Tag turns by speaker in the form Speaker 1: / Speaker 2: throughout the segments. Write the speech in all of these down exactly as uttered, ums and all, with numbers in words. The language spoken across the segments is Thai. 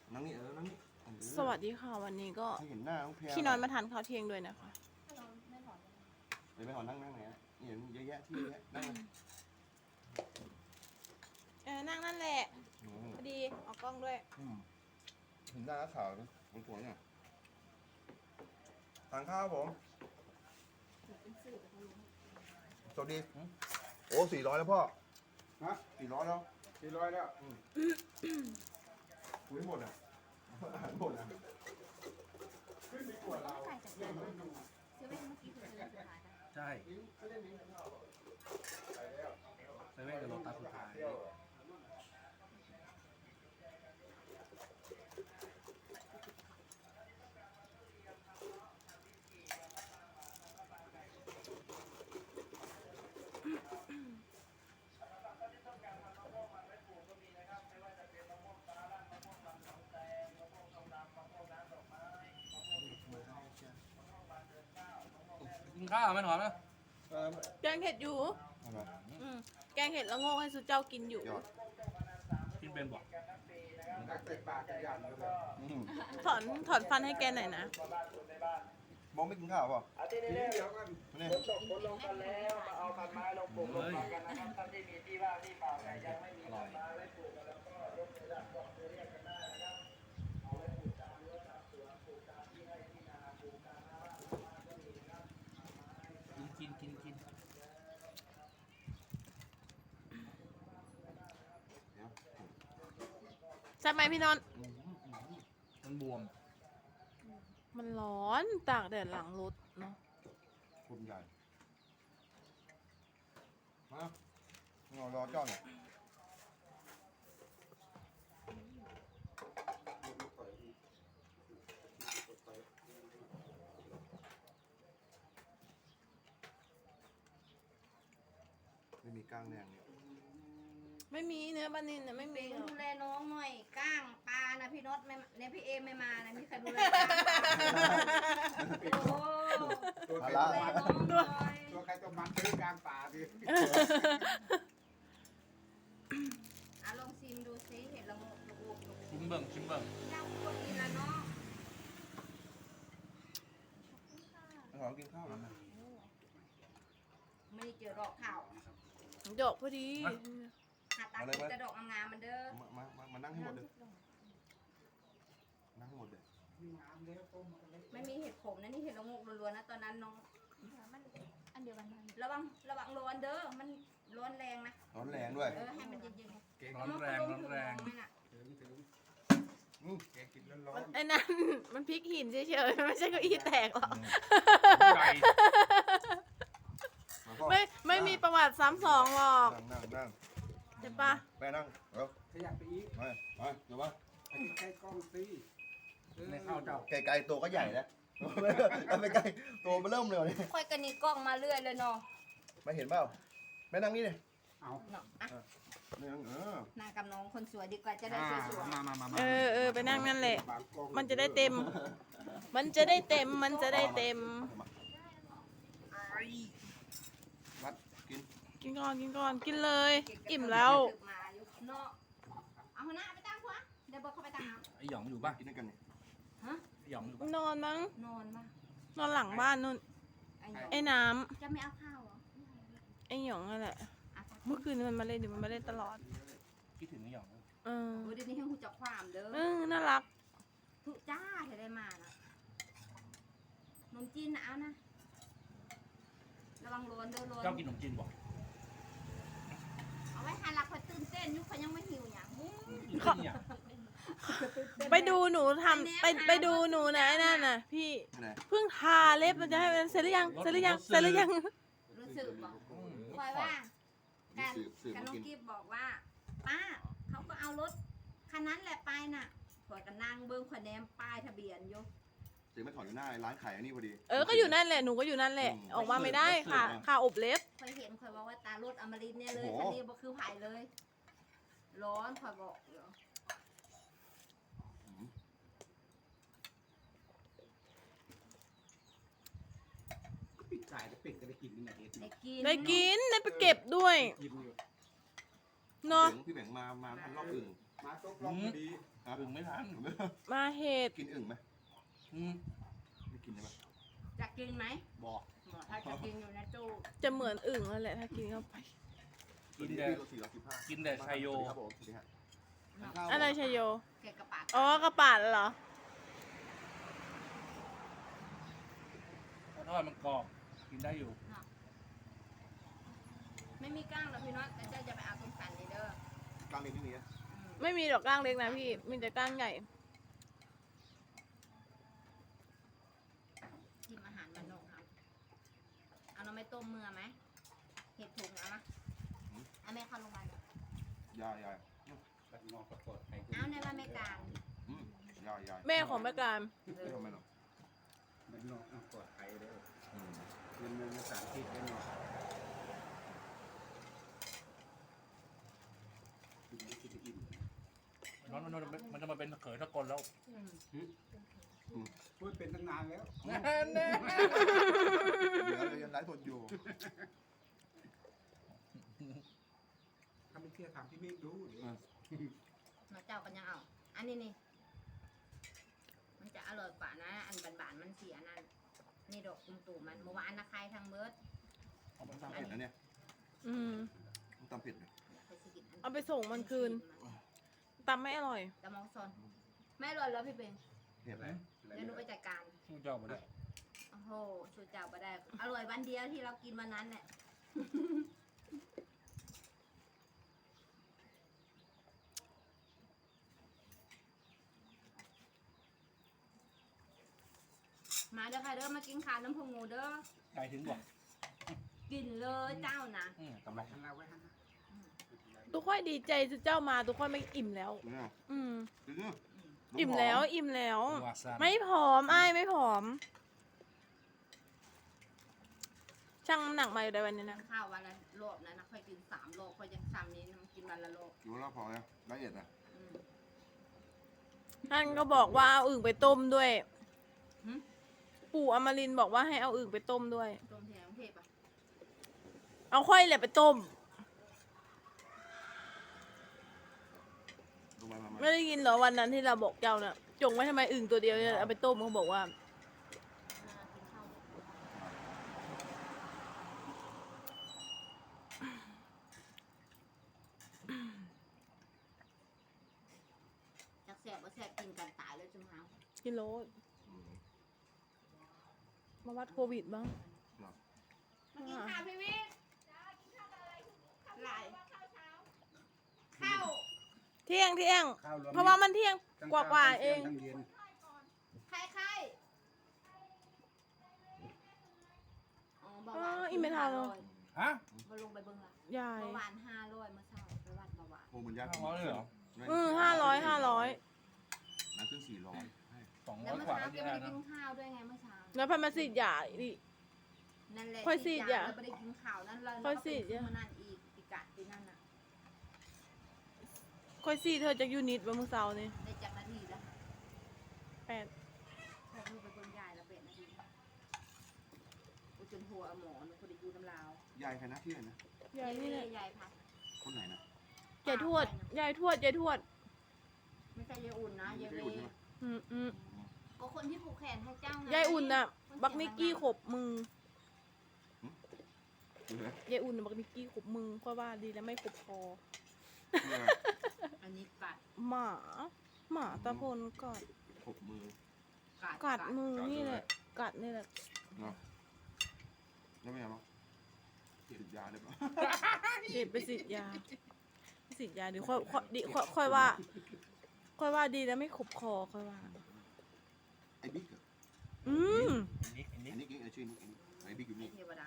Speaker 1: นั่งนี่เออนั่งนี่
Speaker 2: สวัสดีค่ะวันนี้ก็
Speaker 1: ให้เห็นหน้าน้องแพร
Speaker 2: พี่น้อยมาทานข้าวเที่ยงด้วยนะคะ
Speaker 1: เดี๋ยวไปขอนั่งนั่งไหนนี่เห็นเยอะแยะที่เยอะแยะนั่ง
Speaker 2: เออนั่งนั่นแหละพอดีเอากล้องด้วย
Speaker 1: เห็นหน้าขาวมันสวยเนี่ยทานข้าวผมสวัสดีโอ้สี่ร้อยแล้วพ่อ
Speaker 3: ฮะ
Speaker 1: สี่ร้อยแล้ว
Speaker 3: สี่ร้อยแล้ว
Speaker 1: คุยหมดอ่ะหมดอ่ะ
Speaker 3: ขึ้นดีกว่าเรา
Speaker 4: ใส่จากไหนมาดูเซเว่นเมื่อกี้คือเซเว่นสุดท้ายนะ
Speaker 5: ใช่เซเว่นกับโลตัสสุดท้ายกินข้าวไม่หนอนนะ
Speaker 1: เออ
Speaker 2: แกงเห็ดอยู่
Speaker 1: เอามา
Speaker 2: อืมแกงเห็ดละโงกให้สุเจ้ากินอยู่
Speaker 1: ยอด
Speaker 5: กินเป็นบ่
Speaker 3: ตักใส่ปากกันอย่างเลย
Speaker 1: อืม
Speaker 2: ถอนถอนฟันให้แกหน่อยนะ
Speaker 1: มองไม่กินข้าวเปล่า
Speaker 3: เดี๋ยวกัน
Speaker 1: ไม่เนี่ย
Speaker 4: ลงกันแล้วมาเอาพันไม้ลงปลูก
Speaker 5: เฮ้ย อร่อยกินกินกินกิน
Speaker 1: เดี๋ยว
Speaker 2: ใช่ไหมพี่นนท์
Speaker 5: มันบวม
Speaker 2: มันร้อนตากแดดหลังรถเนาะ
Speaker 1: คุณใหญ่มาเรารอเจ้าเนี่ยไม่มีก้างแดงเนี่ย
Speaker 2: ไม่มีเนื้อปลานิลเนี่ยไม่มีหรอก
Speaker 4: ดูแลน้องหน่อยก้างปลานะพี่นศไม่เนี่ยพี่เอไม่มานะมีใครดูแลโอ้
Speaker 3: ตัวใคร
Speaker 4: ดู
Speaker 3: ตัว
Speaker 4: แล
Speaker 3: มัน
Speaker 4: น้องหน่อย
Speaker 3: ตัวใครตัวมันซื้อกลางป่าดิ
Speaker 4: อ่ะลองชิมดูซิเห็ดละโงกละโงกละโง
Speaker 5: ชิ
Speaker 4: ก
Speaker 5: มเบิ่งชิมเบิ่ง
Speaker 4: ย่างคนกินละเนาะ
Speaker 1: ขอกินข้าวแล้วนะ
Speaker 4: ไม่ได้เจอดอกข่าว
Speaker 2: ดอกพอดี
Speaker 4: หาตากินแต่ดอกงามๆมันเด้อ
Speaker 1: มามามามานั่งให้หมดเลยนั่งให้หมดเลย
Speaker 4: ไม่มีเห็ดขมนะนี่เห็ดละโงกล้วนๆนะตอนนั้นน้อง
Speaker 6: มันอันเดียวกันมัน
Speaker 4: ระวังระวังร้อนเด้อมันร้อนแรงนะ
Speaker 1: ร้อนแรงด้วย
Speaker 4: เออให้มันเย็นๆ
Speaker 5: ร้อนแรงร้อนแรง
Speaker 3: ถึงถึง
Speaker 1: อืม
Speaker 3: แกกินร้อน
Speaker 2: ไอ้นั่นมันพลิกหินเฉยๆไม่ใช่เก้าอี้แตกหรอก
Speaker 5: ไก่
Speaker 1: มาพ่อ
Speaker 2: ไม่ไม่มีประวัติซ้ำสองหรอก
Speaker 1: นั่งนั่งนั่ง
Speaker 2: ใช่ปะ
Speaker 1: แม่นั่งเร็ว
Speaker 3: ๆขยับไปอีก
Speaker 1: มามาเดี๋ยวมา
Speaker 3: ไปใกล้กล้องสิ
Speaker 5: ในข้าวเจ้า
Speaker 1: ไกลๆตัวก็ใหญ่แล้วไปไกลตัวมันเริ่มเลยนี่
Speaker 4: ค่อยกันนี่กล้องมาเรื่อยเลยเนาะ
Speaker 1: ไม่เห็นเปล่าแม่นั่งนี่เลย
Speaker 3: เอา
Speaker 4: เนาะอ่ะ
Speaker 1: นี่นั่งเออ
Speaker 4: นางกับน้องคนสวยดีกว่าจะได้สวย
Speaker 3: มามามามา
Speaker 2: เออเออไปนั่งนั่นแหละ
Speaker 3: บางกล้อง
Speaker 2: มันจะได้เต็ม มันจะได้เต็ม มันจะได้เต็ม
Speaker 1: วัดกิน
Speaker 2: กินก่อนกินก่อนกินเลย
Speaker 4: ๆ
Speaker 2: อิ่มแล้ว
Speaker 4: ถึกมาอยู่เนาะเอาหัวหน้าไปตั้งหัวเดี๋ยวบอกเขาไปตั้งน้
Speaker 5: ไอหยองอยู่ป่ะ
Speaker 1: กินด้วยกันเนี่ย
Speaker 4: ำฮะ
Speaker 5: ไอหยองอยู่ป่ะ
Speaker 2: นอนมั้ง
Speaker 4: นอนปะ
Speaker 2: นอนหลังบ้านนู่น
Speaker 4: ไอ้หยอง
Speaker 2: ไอ้น้
Speaker 4: จะไม่เอาข้าวเหรอ
Speaker 2: ำไอ้หยองนั่นแหละ
Speaker 4: อ่ะ
Speaker 2: เมื่อคืนมันมาเล่นอยู่มันมาเล่นตลอด
Speaker 5: คิดถึงไอหยอง
Speaker 2: เออ
Speaker 4: โอ้ยเดี๋ยวนี้ให้หูจักความเด้อ
Speaker 2: เออน่ารัก
Speaker 4: ทุจ้าจะได้มานะนมจีนนะเอานะระวังร้อนเด้อร้อน
Speaker 5: เจ้ากินขนมจีนบ่
Speaker 4: เอาไว้หาหลักคอยตื่นเต้นอยุคเขายังไม่หิวอย่าง
Speaker 5: กินเนี่ย
Speaker 2: ไปดูหนูทำไปไปดูหนูนะไอ้นั่นน่ะ พี่
Speaker 1: ไหน
Speaker 2: เพิ่งทาเล็บมันจะให้มันเสร็จหรือยังเสร็จหรือยังเสร็จหรือยัง
Speaker 4: รู้สึกบอกคอยว่าการ
Speaker 1: สืบสืบ
Speaker 4: การ
Speaker 1: มา
Speaker 4: น้อง
Speaker 1: กิน
Speaker 4: กิฟบอกว่าป้าเขาก็เอารถคันนั้นแหละไปน่ะข่อยก็นั่งเบิ้งข่อยแนมป้ายทะเบียนอยู่
Speaker 1: เจ๊ไม่ถอนอยู่หน้าร้านขายอันนี้พอดี
Speaker 2: เออก็อยู่นั่นแหละหนูก็อยู่นั่นแหละ
Speaker 1: อืม
Speaker 2: ออกมาไม่ได้ค่ะค่ะอบเล็บ
Speaker 4: ข่อยเห็นข่อยบอกว่าตารถอมรินทร์เนี่ยเลย
Speaker 1: โอ้โห
Speaker 4: คันนี้บ่คือไผ่เลย ร้อนข่อยบอกอยู่
Speaker 3: ปิดสายจะปิดจะได้กินยังไง
Speaker 4: ได้กิน
Speaker 2: ได้กินได้ไปเก็บด้วย
Speaker 3: กินอยู่
Speaker 2: เนาะ
Speaker 1: พี่แบงค์มามาทันรอบอื่น
Speaker 3: มาตกลงพอดี
Speaker 1: อ
Speaker 5: อึ่งไม่ทัน
Speaker 2: มาเห็ด
Speaker 1: กินอึ่งไหม
Speaker 5: อืม
Speaker 1: ไม่กินใช่ไหม
Speaker 4: จะกินไหม
Speaker 1: บอก
Speaker 4: บอกถ้าจะกินอยู่ในตู้
Speaker 2: จะเหมือนอึ่งนั่นแหละถ้ากินเข้าไป
Speaker 5: กินแต่
Speaker 1: สี่ร้อยสิบห้า
Speaker 5: กินแต่ไชโย
Speaker 1: ครับผมสวัสดีฮะ
Speaker 2: อะไรชยโย
Speaker 4: เกะกระปาก
Speaker 2: อ๋อกระปาดเหรอ
Speaker 5: ถ้าทอดมันกรอบกินได้อยู่
Speaker 4: ไม่มีก้างหรอกพี่น้องแต่เจ้าจะไปเอาตรงสันนี่เด้อก
Speaker 1: ลางเรียนที่นี่นะ
Speaker 4: อืม
Speaker 2: ไม่มีดอกก้างเล็กนะพี่ มีแต่ก้างใหญ่
Speaker 4: กินอาหารมันนกครับเอาน้ำไม่ต้มเมื่อไหมเห็ดถุงเอามาเอาแม่เข้าโรงพยาบาล
Speaker 1: ยายยาย
Speaker 3: บัดนอกกระปอดไทย
Speaker 4: เอาในบ้านแม่กลาง
Speaker 1: อืมยายยาย
Speaker 2: แม่ของแม่การ
Speaker 1: ไม่ทำไมหรอก
Speaker 3: บัดนอกเอาปอดไทยเด้อ
Speaker 1: อืม
Speaker 3: เงินเงินภาษาอังกฤษได้เนาะกินไม่กินอิ่ม
Speaker 5: น้องมันมันจะมาเป็นเขยตะกลแล้ว
Speaker 4: อืม
Speaker 3: พูดเป็นตั้งนานแล้ว
Speaker 1: เดี๋ยวเรายังไลฟ์สดอยู่
Speaker 3: ถ้าไม่เชื่อถามพี่เมฆดูเดี๋ยว
Speaker 4: มาเจ้ากันยังเอา อันนี้นี่ มันจะอร่อยกว่านะ อันบานๆมันเสียนั่น นี่ดอกตุ่มตูมันเมื่อวานนะใครทางเบิร์ด
Speaker 1: เอาไปตำเผ็ดนะเนี่ย
Speaker 2: อืม
Speaker 1: ต้องตำเผ็ดเลย
Speaker 4: ไปสิกินน
Speaker 2: เอาไปส่งมันคืน ตำไม่อร่อย
Speaker 4: แต่มองซอนไม่อร่อยแล้วพี่เบง
Speaker 1: เผ็ด
Speaker 3: อะไร
Speaker 1: ไหม
Speaker 3: อะไร
Speaker 4: เดี๋ยวหนูไปจัดการ
Speaker 5: สู้เจ้าไปเลย
Speaker 4: โอ้โหชูเจ้าไปได้ อร่อยวันเดียวที่เรากินวันนั้นแหละ มาเด้อค่ะเด้อมากินข้าวน้ำพงงูเด้อ
Speaker 5: ใจถึงบอก
Speaker 4: กินเลยเจ้านะ
Speaker 5: อืมกำไร
Speaker 3: หันเราไว้หันนะ
Speaker 2: ทุกค่อยดีใจจะเจ้ามาทุกค่อยไม่อิ่มแล้ว
Speaker 1: เนี่ย
Speaker 2: อืม
Speaker 1: จริงเนี่ย
Speaker 2: อิ่มแล้ว อิ่มแล้ว
Speaker 5: วาซาบิ
Speaker 2: ไม่ผอมอ้ายไม่ผอม ช่างน้ำหนักมาอยู่ในวันนี้นะ
Speaker 4: ข้าววันละโลบนะนะค่อยกินสามโลค่อยยังซ้ำนี้นะกินวันละโลบ
Speaker 1: อยู่แล้วพอแล้วละเอียดนะ
Speaker 4: อืม
Speaker 2: ท่านก็บอกว่าเอาอึ่งไปต้มด้วย
Speaker 4: หึ
Speaker 2: ปู่อมรินทร์บอกว่าให้เอาอึ่งไปต้มด้วย
Speaker 4: ต้มที่ไหนกรุงเทพอ่ะ
Speaker 2: เอาค่อยแหละไปต้ม
Speaker 1: ดูมามามา
Speaker 2: ไม่ได้ยินเหรอวันนั้นที่เราบอกเจ้าน่ะ จงไว้ทำไมอึ่งตัวเดียวเนี่ยเอาไปต้มเขาบอกว่า
Speaker 4: อ่ากินข้าวจักแสบว่าแสบกินกันตายแล้วจุ๊มเฮา
Speaker 2: กิโล
Speaker 1: อืม
Speaker 2: มาวัดโควิดบ้าง
Speaker 4: มากินข้าวพี่วิทย์ไหลข้าว
Speaker 2: เที่ยงเที่ยง
Speaker 3: ข้าวรวม
Speaker 2: เพราะว่ามันเที่ยงกว่ากว่าๆเอง
Speaker 3: ทั้เย็น
Speaker 4: ใครใครอ๋อเบาห
Speaker 2: อ๋
Speaker 4: วาน
Speaker 2: ออีเมทาโล
Speaker 5: ฮะ
Speaker 4: มาลงไปเบิ่งละ
Speaker 2: ยาย
Speaker 4: เบาหวานห้าร้อยเมื่อเช้าไปวัดเบาหวาน
Speaker 1: โอ้มันยาก
Speaker 5: ห้าร้อยเลยเหรอ
Speaker 2: อืมห้าร้อยห้าร้อย
Speaker 1: น้ำขึ้นสี่ร้อย
Speaker 5: สอง
Speaker 4: แล้
Speaker 5: ร้
Speaker 4: ว
Speaker 5: อย
Speaker 4: เมื่อก
Speaker 5: ว่า
Speaker 4: เช้า
Speaker 5: ก็
Speaker 4: แก
Speaker 5: ยัง
Speaker 4: ไม่
Speaker 5: ได้
Speaker 4: ได้
Speaker 5: นะ
Speaker 4: กินข้าวด้วยไงเมื่อเช้า
Speaker 2: แล้วพันมาสิยาอีก
Speaker 4: นั่นแหละ
Speaker 2: ค่อยสิอย่า
Speaker 4: เราไม่ได้กินข้าวนั่นเรา
Speaker 2: ค่อยสิอย่า
Speaker 4: มานั่นอีกอีกกะที่นั่นน่ะ
Speaker 2: ค่อยซี่เธอจากยูนิตวันมื้อเสาร์นี่
Speaker 4: ได้จากนาทีแล้ว
Speaker 2: แปด
Speaker 4: พอลูกไปเบิ่งยายแล้วเป็นนาทีกูจนหัวหมอหนูคนได้อยู่น้ำลาวย
Speaker 1: ายใครนะที่ไหนนะ
Speaker 2: ยายนี่แหละ
Speaker 4: ยายพัด
Speaker 1: คนไหนนะ
Speaker 2: ยายทวดยายทวดยายทวด
Speaker 4: ไม่ใช่ยายอุ่นนะยาย
Speaker 1: ไม่
Speaker 4: เว
Speaker 1: ได้อุ่นใช่ไหม
Speaker 2: อืมอืม
Speaker 4: ก็คนที่ผูกแขนให้เจ้าไง
Speaker 2: ยายอุ่นน่ะ บักนิกกี้ขบมือ
Speaker 1: ดูนะ
Speaker 2: ยายอุ่นน่ะบักนิกกี้ขบมือค่อยว่าดีแล้วไม่ขบคอ
Speaker 1: เพื่อ
Speaker 4: อันนี้กัด
Speaker 2: หมา หมาตะพลกัด
Speaker 1: หกมือ
Speaker 4: กัด
Speaker 2: กัดมือนี่แหละ กัดนี่แหละ
Speaker 1: เนาะแล้วไม่เอาหรอติดยาได้ปะ
Speaker 2: เด็ดไปสิทธิ์ยาไปสิทธิ์ยาเดี๋ยวค่อยค่อยดิค่อยค่อยว่า ค่อยว่าดีแล้วไม่ขบคอค่อยว่า
Speaker 1: ไอ้บิ๊กเหรอ
Speaker 2: อืม
Speaker 5: อันนี้อัน
Speaker 1: ไอ้
Speaker 5: นี้
Speaker 1: นิกไอ้ชื่อนิกไอ้บิ๊กอยู่
Speaker 4: ไอ้
Speaker 1: นี่
Speaker 4: เทวดา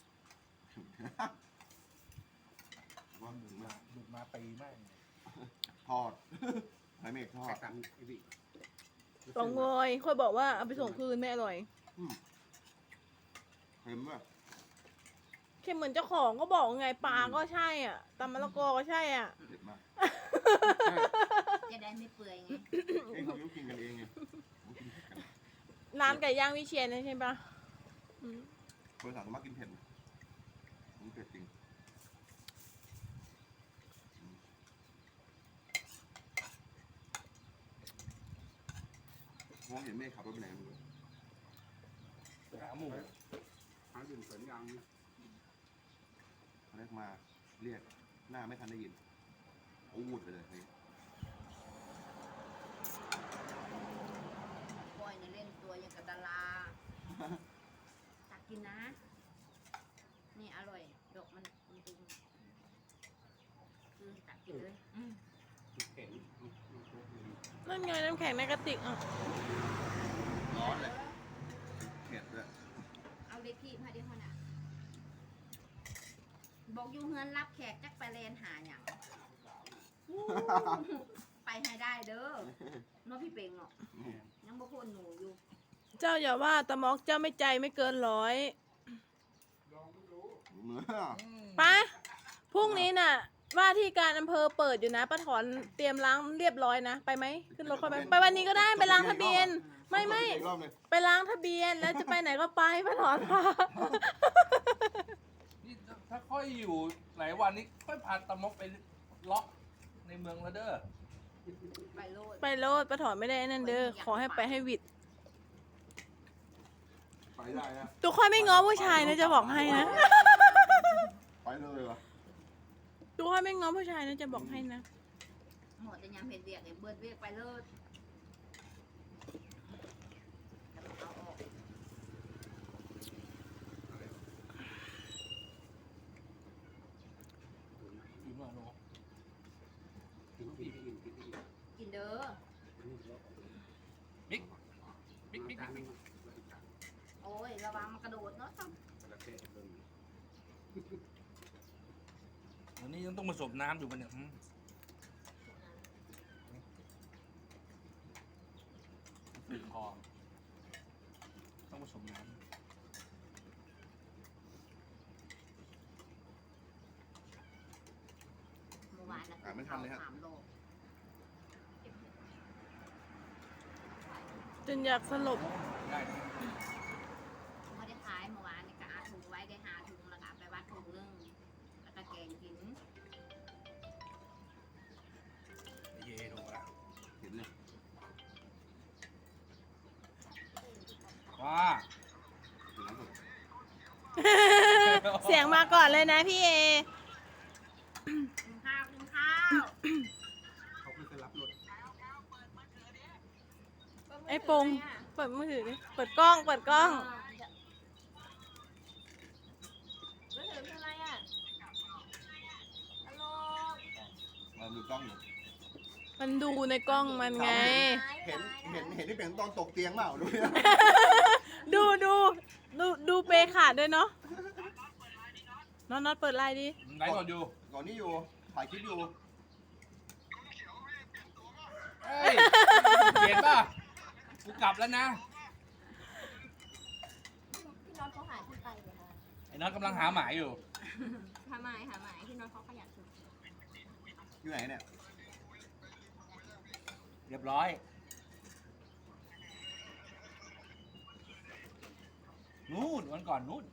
Speaker 1: ว่ามึง
Speaker 5: มา
Speaker 1: มา
Speaker 5: ดูมาปีมาก
Speaker 1: ทอดไอ้เมฆทอ
Speaker 3: ใคร
Speaker 1: ด
Speaker 3: กันไอ้พี่
Speaker 2: ลองงอยค่อยบอกว่าเอาไปส่งคืนไม่อร่อย
Speaker 1: เค็มป่ะ
Speaker 2: เค็มเหมือนเจ้าของก็บอกไงปลาก็ใช่อ่ะตำมะละกอก็ใช่อ่ะ
Speaker 1: เด็ดมาก
Speaker 4: จะได้ไม่เปื่อยไง
Speaker 1: เอ้ยเขากินกันเองไงเขากินเผ็ดกัน
Speaker 2: ร้านไก่ย่างวิเชียรนะใช่ปะอืม
Speaker 1: คนสั่งมากินเผ็ดมันเผ็ดจริงมองเห็นเมฆขับรถไปไหนไม่รู้
Speaker 5: หาหมู
Speaker 3: หาดื่มสวนยางนี่
Speaker 1: เขาเรียกมาเรียกหน้าไม่ทันได้ยินอูดไปเลยเฮ้ย
Speaker 4: บอยเนี่ยเล่นตัวอย่างกับดาราตักกินนะ นี่อร่อยดอกมันมันตึงคือตักกินเลยอืม
Speaker 3: เห็น
Speaker 2: นั่นไงน้ำแข็งในกระติกอ่ะ
Speaker 1: ร้อนเลยเผ็ดด้วย
Speaker 4: เอาเด็กที่พาเดียวน่ะบอกอยู่เฮือนรับแขกจักไปแลนหาอย่างอู้ไปให้ได้เด้อเน้องพี่เป่งเนาะยังบ่พ้นหนูอยู่
Speaker 2: เจ้าอย่าว่าตะมอกเจ้าไม่ใจไม่เกินร้อย
Speaker 3: ลองไม่รู้
Speaker 1: เนื้อ
Speaker 2: ปะพรุ่งนี้น่ะ ว่าที่การอำเภอเปิดอยู่นะป้าถอนเตรียมล้างเรียบร้อยนะไปไหมขึ้นรถเข้าไปไปวันนี้ก็ได้ไปล้างทะเบียน ไม่ไม่
Speaker 1: อีกรอบหนึ่ง
Speaker 2: ไปล้างทะเบียนแล้วจะไปไหนก็ไปป้าถอนค่ะ
Speaker 5: นี่ถ้าค่อยอยู่หลายวันนี้ค่อยพาตะมกไปเลาะในเมืองแล้วเด้อ
Speaker 4: ไปโลด
Speaker 2: ไปโลดป้าถอนไม่ได้นั่นเด้อขอให้ไปให้วิด
Speaker 1: ไปได้นะ
Speaker 2: ทุกคนไม่ง้อผู้ชายนะจะบอกให้นะ
Speaker 1: ไปเลยวะ
Speaker 2: ทุกคนไม่ง้อผู้ชายนะจะบอกให้นะ
Speaker 4: หมดจะยามเห็ดเบียกเนี่ยเบิดเบียกไปโลดเอาออก
Speaker 5: อยู่เมืองโน
Speaker 3: กินกินกินกินกิน
Speaker 4: กินเด้อ
Speaker 5: บิ๊กบิ๊กบิ๊ก
Speaker 3: การ
Speaker 5: บิ๊ก
Speaker 4: โอ้ยระวังมันกระโดดเนาะต้อง
Speaker 3: ประเทศเบิ่ง
Speaker 5: วันนี้ยังต้องผสมน้ำอยู่มันเนี่ยอืมติดคอต้องผสมน้ำ
Speaker 4: เมื่อวานนะ
Speaker 1: อ่าไม่ทันเลยฮะ
Speaker 4: สามโล
Speaker 2: จนอยากสลบ
Speaker 5: ได้
Speaker 4: ไม่ได้ขายเมื่อวานนี่ก็อาถุงไว้ได้หาถุงแล้วก็เอาไปวัดถุงนึงแล้วก็แกงกิน
Speaker 5: เย่ถูกละ
Speaker 1: เห็นเลย
Speaker 5: ว้า
Speaker 1: ถึงน้ำสุด
Speaker 2: เสียงมาก่อนเลยนะพี่เอ
Speaker 4: กินข้าวกินข้าว
Speaker 3: เขาไม่เคยรับรถ
Speaker 2: ไอ้ปงเปิดมือถือดิเปิดกล้องเปิดกล้อง
Speaker 6: มือถือคืออะไรอ่ะฮัลโหล
Speaker 1: มาดูกล้องอยู่
Speaker 2: มันดูในกล้องมันไง
Speaker 1: เห็นเห็นเห็นที่เป็นตอนตกเตียงเปล่าดูนะ
Speaker 2: ดูดูดูดูเปขาดด้วยเนาะน้องน็อตเปิดไลน์ดิ
Speaker 5: ไหนก่อนอยู่
Speaker 1: ก่อนนี้อยู่ถ่ายคลิปอยู่
Speaker 5: เฮ้ยเปลี่ยนป่ะกูกลับแล้วนะ
Speaker 6: พี่น้องเขาหายที่ไปเลยค่ะ
Speaker 5: ไอ้น้องกำลังหาหมายอยู่
Speaker 6: หาหมายหาหมายพี่น้องเขาขยันสุด
Speaker 1: อยู่ไหนเนี่ย
Speaker 5: เรียบร้อย นู่นวันก่อนนู่น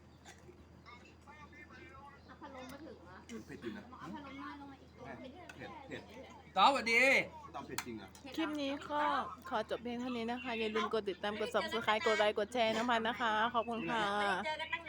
Speaker 6: เอาพัดลมมาถึงอ่ะ
Speaker 1: เผ็ดจริงนะ
Speaker 6: เอาพัดลมน้อยลงมาอีกตัวเผ็ด
Speaker 1: เผ็ดเผ็ด
Speaker 5: ต้อสวัสดี
Speaker 1: ตามเผ็ดจริงอ่ะ
Speaker 2: คลิปนี้ก็ขอจบเพียงเท่านี้นะคะ อย่าลืมกดติดตามกด ซับสไครบ์ กดไลค์กดแชร์น้ำพันนะคะ ขอบคุณค่ะ
Speaker 6: เจอกันตั้ง